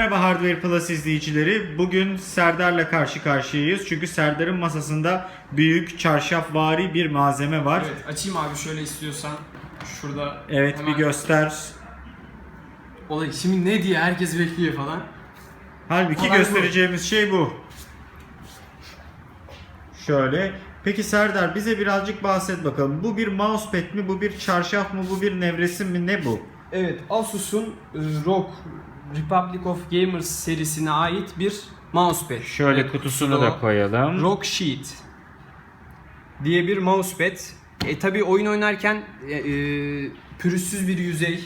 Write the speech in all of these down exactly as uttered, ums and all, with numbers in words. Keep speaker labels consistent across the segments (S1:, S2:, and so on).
S1: Merhaba Hardware Plus izleyicileri. Bugün Serdar'la karşı karşıyayız. Çünkü Serdar'ın masasında büyük çarşafvari bir malzeme var.
S2: Evet, açayım abi şöyle istiyorsan. Şurada
S1: Evet,
S2: hemen
S1: bir göster.
S2: Olay şimdi ne diye herkes bekliyor falan.
S1: Halbuki
S2: Olay bu.
S1: göstereceğimiz şey bu. Şöyle. Peki Serdar, bize birazcık bahset bakalım. Bu bir mousepad mi? Bu bir çarşaf mı? Bu bir nevresim mi? Ne bu?
S2: Evet, Asus'un e, R O G Republic of Gamers serisine ait bir mousepad.
S1: Şöyle
S2: Evet,
S1: kutusunu
S2: kutuda
S1: da
S2: o.
S1: koyalım.
S2: R O G Sheet diye bir mousepad. E tabi oyun oynarken e, e, pürüzsüz bir yüzey,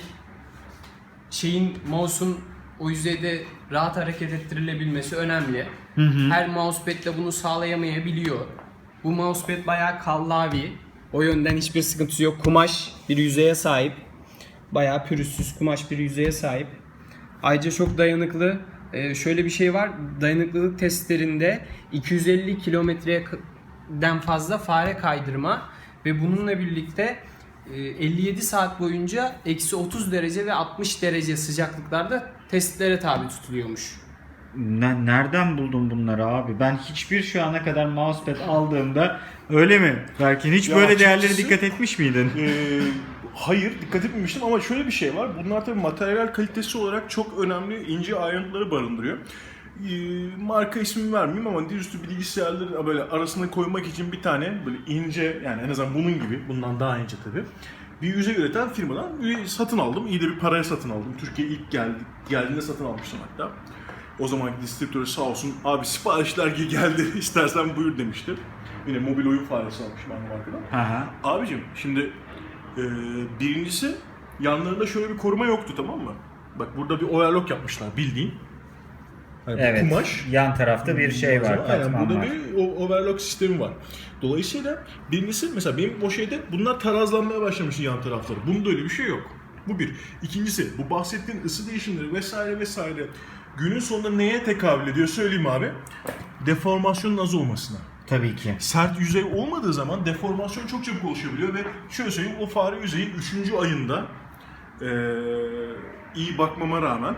S2: şeyin mouse'un o yüzeyde rahat hareket ettirilebilmesi önemli.
S1: Hı hı.
S2: Her mousepad de bunu sağlayamayabiliyor. Bu mousepad bayağı kallavi. O yönden hiçbir sıkıntısı yok. Kumaş bir yüzeye sahip. Bayağı pürüzsüz kumaş bir yüzeye sahip. Ayrıca çok dayanıklı. Ee, şöyle bir şey var. Dayanıklılık testlerinde iki yüz elli kilometreden fazla fare kaydırma ve bununla birlikte elli yedi saat boyunca eksi otuz derece ve altmış derece sıcaklıklarda testlere tabi tutuluyormuş.
S1: Ne, nereden buldun bunları abi? Ben hiçbir şu ana kadar mousepad aldığımda öyle mi? Belki hiç
S3: Ya
S1: böyle
S3: açıkçası-
S1: değerlere dikkat etmiş miydin?
S3: Ee, hayır, dikkat etmemiştim ama şöyle bir şey var. Bunlar tabii materyal kalitesi olarak çok önemli ince ayrıntıları barındırıyor. Ee, marka ismini vermeyeyim ama dizüstü bilgisayarların böyle arasına koymak için bir tane böyle ince, yani en azından bunun gibi, bundan daha ince tabii, bir yüzey üreten firmadan bir satın aldım. İyi de bir paraya satın aldım. Türkiye'ye ilk geldi, geldiğinde satın almıştım hatta. O zamanki distribütörü sağ olsun, abi siparişler geldi istersen buyur demişti. Yine mobil oyun faresi almışım aynı markadan.
S1: Aha.
S3: Abicim şimdi e, birincisi yanlarında şöyle bir koruma yoktu, tamam mı? Bak burada bir overlock yapmışlar bildiğin. Yani bu
S1: Evet.
S3: kumaş.
S1: Yan tarafta bir şey var.
S3: Aynen,
S1: Katman
S3: burada
S1: var.
S3: bir o- overlock sistemi var. Dolayısıyla birincisi mesela benim o şeyde bunlar tarazlanmaya başlamış yan tarafları. Bunda öyle bir şey yok. Bu bir. İkincisi bu bahsettiğin ısı değişimleri vesaire vesaire günün sonunda neye tekabül ediyor söyleyeyim abi. Deformasyonun az olmasına.
S1: Tabii ki.
S3: Sert yüzey olmadığı zaman deformasyon çok çabuk oluşabiliyor ve şöyle söyleyeyim, o fare yüzeyin üçüncü ayında ee, iyi bakmama rağmen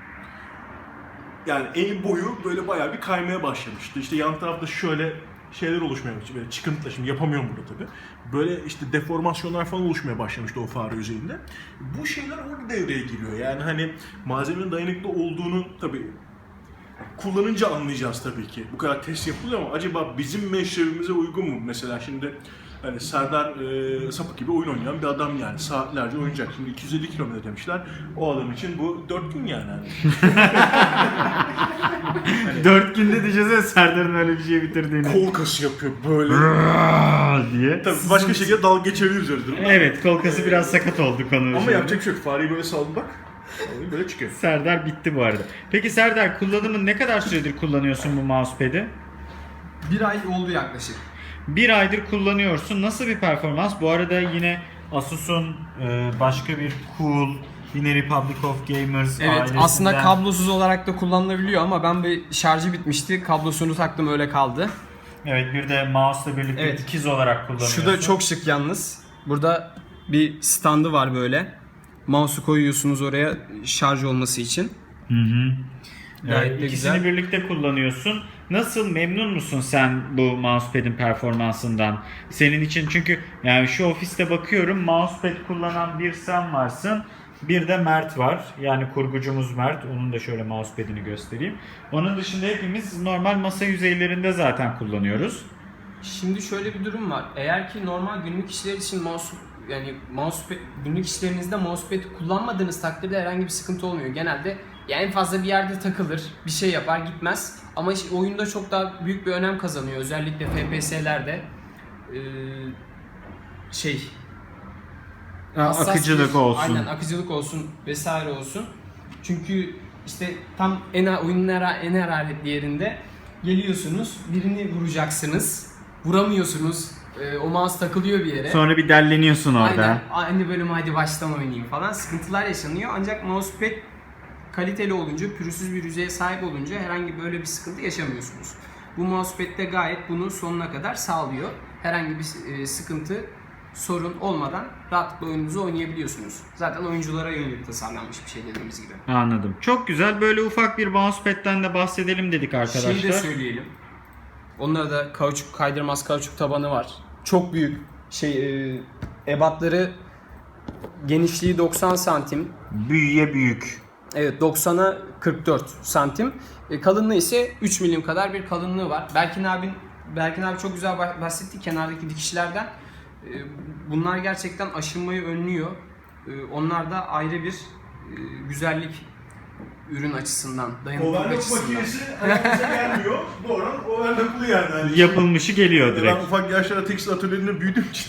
S3: yani el boyu böyle bayağı bir kaymaya başlamıştı. İşte yan tarafta şöyle şeyler oluşmaya başladı. Böyle çıkıntılar, şimdi yapamıyorum burada tabii. Böyle işte deformasyonlar falan oluşmaya başlamıştı o fare yüzeyinde. Bu şeyler orada devreye giriyor. Yani hani malzemenin dayanıklı olduğunu tabii kullanınca anlayacağız tabii ki. Bu kadar test yapılıyor ama acaba bizim meşrebimize uygun mu? Mesela şimdi hani Serdar e, sapık gibi oyun oynayan bir adam yani. Saatlerce oynayacak. Şimdi iki yüz elli kilometre demişler. O adam için bu dört gün yani. Hani
S1: Dört günde diyeceğiz Serdar'ın öyle bir şey bitirdiğini.
S3: kol kası yapıyor böyle.
S1: diye.
S3: Tabii başka şekilde dalga geçebiliriz öyle durumda.
S1: Evet, kol kası biraz sakat oldu konu.
S3: Ama
S1: şimdi.
S3: yapacak bir şey yok. Fareyi böyle saldım bak. Böyle çıkıyor.
S1: Serdar bitti bu arada. Peki Serdar, kullanımı ne kadar süredir kullanıyorsun bu mousepad'i?
S2: Bir ay oldu yaklaşık.
S1: Bir aydır kullanıyorsun. Nasıl bir performans? Bu arada yine Asus'un e, başka bir cool, yine Republic of Gamers
S2: Evet,
S1: ailesinden.
S2: aslında kablosuz olarak da kullanılabiliyor ama ben bir şarjı bitmişti. Kablosunu taktım, öyle kaldı.
S1: Evet, bir de mouse'la birlikte
S2: Evet.
S1: ikiz olarak kullanıyorsun.
S2: Şu da çok şık yalnız. Burada bir standı var böyle. Mouse'u koyuyorsunuz oraya şarj olması için.
S1: Hı hı.
S2: Gayet
S1: Evet,
S2: de
S1: ikisini
S2: güzel.
S1: birlikte kullanıyorsun. Nasıl, memnun musun sen bu mousepad'in performansından? Senin için, çünkü yani şu ofiste bakıyorum, mousepad kullanan bir sen varsın. Bir de Mert var. Yani kurgucumuz Mert. Onun da şöyle mousepad'ini göstereyim. Onun dışında hepimiz normal masa yüzeylerinde zaten kullanıyoruz.
S2: Şimdi şöyle bir durum var. Eğer ki normal günlük işler için mouse yani mousepad, günlük işlerinizde mousepad kullanmadığınız takdirde herhangi bir sıkıntı olmuyor. Genelde yani en fazla bir yerde takılır, bir şey yapar, gitmez. Ama işte oyunda çok daha büyük bir önem kazanıyor. Özellikle F P S'lerde ee, şey hassas
S1: Akıcılık
S2: bir-
S1: olsun.
S2: Aynen, akıcılık olsun vesaire olsun. Çünkü işte tam en oyunun en, en hararetli yerinde geliyorsunuz, birini vuracaksınız, vuramıyorsunuz, e, o mouse takılıyor bir yere.
S1: Sonra bir delleniyorsun orada.
S2: Aynen, aynı bölümü hadi baştan oynayayım falan, sıkıntılar yaşanıyor. Ancak mousepad kaliteli olunca, pürüzsüz bir yüzeye sahip olunca herhangi böyle bir sıkıntı yaşamıyorsunuz. Bu mousepad de gayet bunu sonuna kadar sağlıyor. Herhangi bir e, sıkıntı sorun olmadan rahatlıkla oyununuzu oynayabiliyorsunuz. Zaten oyunculara yönelik tasarlanmış bir şey dediğimiz gibi.
S1: Anladım. Çok güzel. Böyle ufak bir mousepad'den de bahsedelim dedik arkadaşlar.
S2: Şeyi de söyleyelim. Onlara da kauçuk kaydırmaz kauçuk tabanı var. Çok büyük şey e, ebatları genişliği doksan santim.
S1: Büyüye büyük.
S2: Evet, doksana kırk dört santim. E, kalınlığı ise üç milim kadar bir kalınlığı var. Berkin abin Berkin abi çok güzel bahsetti kenardaki dikişlerden. E, bunlar gerçekten aşınmayı önlüyor. E, onlar da ayrı bir e, güzellik ürün açısından, dayanıklılık
S3: Overlock
S2: açısından.
S3: makinesi ayağımıza gelmiyor. Doğru, overlocklu yani. Hani
S1: Yapılmışı geliyor direkt.
S3: ben ufak yaşlarda tekstil atölyelerinde büyüdüğüm için.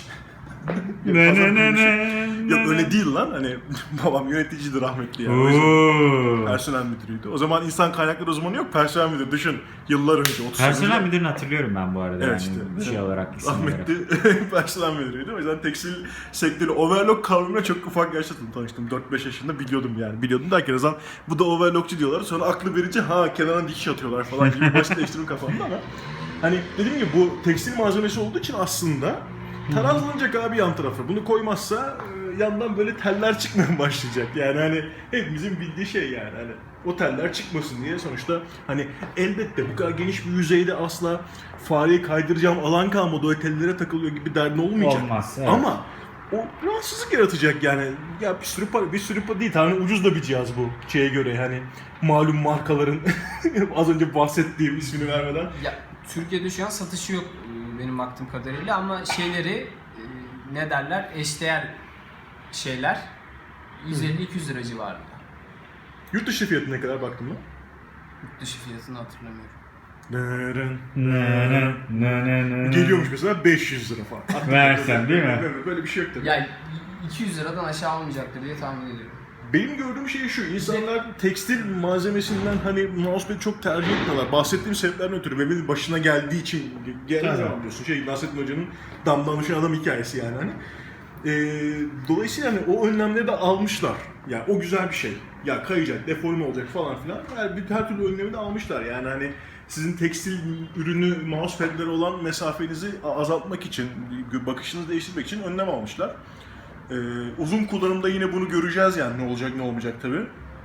S1: Ne ne ne ne.
S3: Yok öyle değil lan, hani babam yöneticiydi rahmetli yani. O yüzden
S1: Oo.
S3: personel müdürüydü. O zaman insan kaynakları uzmanı yok, personel müdürü. Düşün, yıllar önce. otuz
S1: Personel
S3: yıllar-
S1: müdürünü hatırlıyorum ben bu arada.
S3: Evet
S1: yani
S3: işte.
S1: şey olarak, isim olarak.
S3: Rahmetli personel müdürüydü. O yüzden tekstil sektörü overlock kavramıyla çok ufak yaşta tanıştım. dört beş yaşında biliyordum yani. Biliyordum derken o zaman bu da overlockçu diyorlar. Sonra aklı verince ha kenarına dikiş atıyorlar falan gibi basitleştirme kafamda ama hani dediğim gibi bu tekstil malzemesi olduğu için aslında tarazlanacak abi yan tarafı. Bunu koymazsa e, yandan böyle teller çıkmaya başlayacak. Yani hani hepimizin bildiği şey yani. Hani o teller çıkmasın diye sonuçta hani elbette bu kadar geniş bir yüzeyde asla fareyi kaydıracağım alan kalmadı. O tellere takılıyor gibi derdin olmayacak.
S1: Olmaz, evet.
S3: Ama o rahatsızlık yaratacak yani. Ya bir sürü para, bir sürü para değil. Hani ucuz da bir cihaz bu şeye göre hani malum markaların az önce bahsettiğim ismini vermeden.
S2: Ya Türkiye'de şu an satışı yok e, benim baktığım kadarıyla ama şeyleri e, ne derler eşdeğer şeyler yüz elli iki yüz lira civarında.
S3: Yurt dışı fiyatı ne kadar baktın mı?
S2: Yurt dışı fiyatını hatırlamıyorum.
S3: Neren,
S1: Ne ne ne ne ne.
S3: Geliyormuş mesela beş yüz lira falan.
S1: Versen değil mi?
S3: Böyle, böyle bir şey yok tabii.
S2: Ya iki yüz liradan aşağı olmayacaktır diye tahmin ediyorum.
S3: Benim gördüğüm şey şu, insanlar tekstil malzemesinden hani mousepad'i çok tercih etmiyorlar. Bahsettiğim sebeplerden ötürü ve benim başına geldiği için geldiği
S1: Tabii.
S3: zaman diyorsun. Şey, Nasrettin Hoca'nın damdan düşen adam hikayesi yani hani. Ee, dolayısıyla hani o önlemleri de almışlar. Yani o güzel bir şey. Ya kayacak, deforme olacak falan filan. Her, bir, her türlü önlemi de almışlar yani hani sizin tekstil ürünü mousepad'lere olan mesafenizi azaltmak için, bakışınızı değiştirmek için önlem almışlar. Ee, uzun kullanımda yine bunu göreceğiz yani ne olacak ne olmayacak tabi.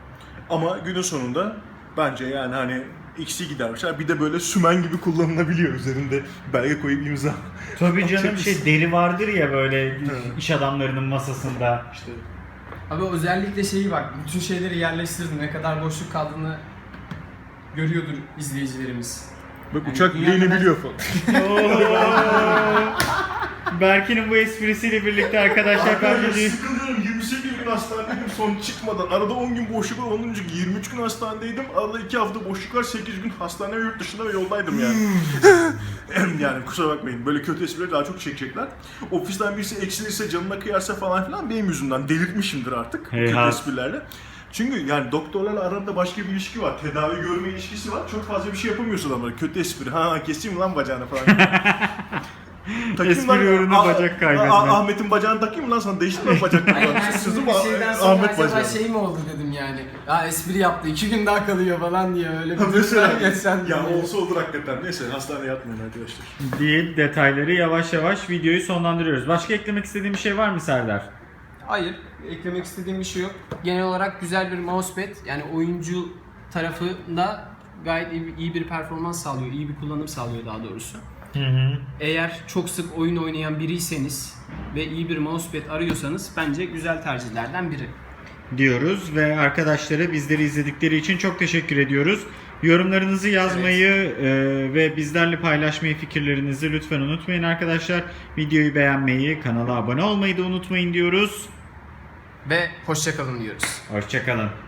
S3: Ama günün sonunda bence yani hani X'i gidermişler. Bir de böyle sümen gibi kullanılabiliyor üzerinde belge koyup imza.
S1: Tabii canım
S3: Atacak
S1: şey deri vardır ya böyle iş adamlarının masasında.
S3: İşte
S2: Abi özellikle şeyi bak, bütün şeyleri yerleştirdim. Ne kadar boşluk kaldığını görüyordur izleyicilerimiz.
S3: bak
S2: Yani
S3: uçak
S2: dünya
S3: bileğini
S2: kadar-
S3: biliyor falan.
S1: Berkin'in bu esprisiyle birlikte arkadaşlar
S3: Arkadaşlar
S1: bence
S3: sıkılıyorum. yirmi sekiz gün hastanedeydim son çıkmadan. Arada on gün boşluk var. Ondan önce yirmi üç gün hastanedeydim. Arada iki hafta boşluk var. sekiz gün hastane ve yurt dışında ve yoldaydım yani. Yani kusura bakmayın. Böyle kötü esprileri daha çok çekecekler. Ofisten birisi eksilirse, canına kıyarsa falan filan benim yüzümden delirtmişimdir artık.
S1: Hey
S3: kötü
S1: ha.
S3: esprilerle. Çünkü yani doktorlarla arasında başka bir ilişki var. Tedavi görme ilişkisi var. Çok fazla bir şey yapamıyorsun ama kötü espri. Ha keseyim lan bacağını falan. Takayım
S1: Espri
S3: lan,
S1: ürünü
S3: Ah-
S1: bacak kaybetme.
S3: Ah- Ahmet'in bacağını takayım lan sana değiştirme lan bacaklarını.
S2: Hayır, ben şimdi
S3: Sözüm
S2: bir
S3: Ah-
S2: şeyden sonra
S3: Ahmet
S2: acaba
S3: bacağı.
S2: şey mi oldu dedim yani. Ya espri yaptı, iki gün daha kalıyor falan diye öyle bir
S3: Ha, Mesela
S2: durumdan geçsen
S3: ya
S2: diye.
S3: olsa olur hakikaten. Neyse hastaneye yatmayın arkadaşlar.
S1: deyip detayları yavaş yavaş videoyu sonlandırıyoruz. Başka eklemek istediğin bir şey var mı Serdar?
S2: Hayır, eklemek istediğim bir şey yok. Genel olarak güzel bir mousepad. Yani oyuncu tarafında gayet iyi, iyi bir performans sağlıyor, iyi bir kullanım sağlıyor daha doğrusu.
S1: Hı hı.
S2: Eğer çok sık oyun oynayan biriyseniz ve iyi bir mousepad arıyorsanız bence güzel tercihlerden biri.
S1: Diyoruz ve arkadaşlara bizleri izledikleri için çok teşekkür ediyoruz. Yorumlarınızı yazmayı e, ve bizlerle paylaşmayı, fikirlerinizi lütfen unutmayın arkadaşlar. Videoyu beğenmeyi, kanala abone olmayı da unutmayın diyoruz.
S2: Ve hoşça kalın diyoruz.
S1: Hoşça kalın.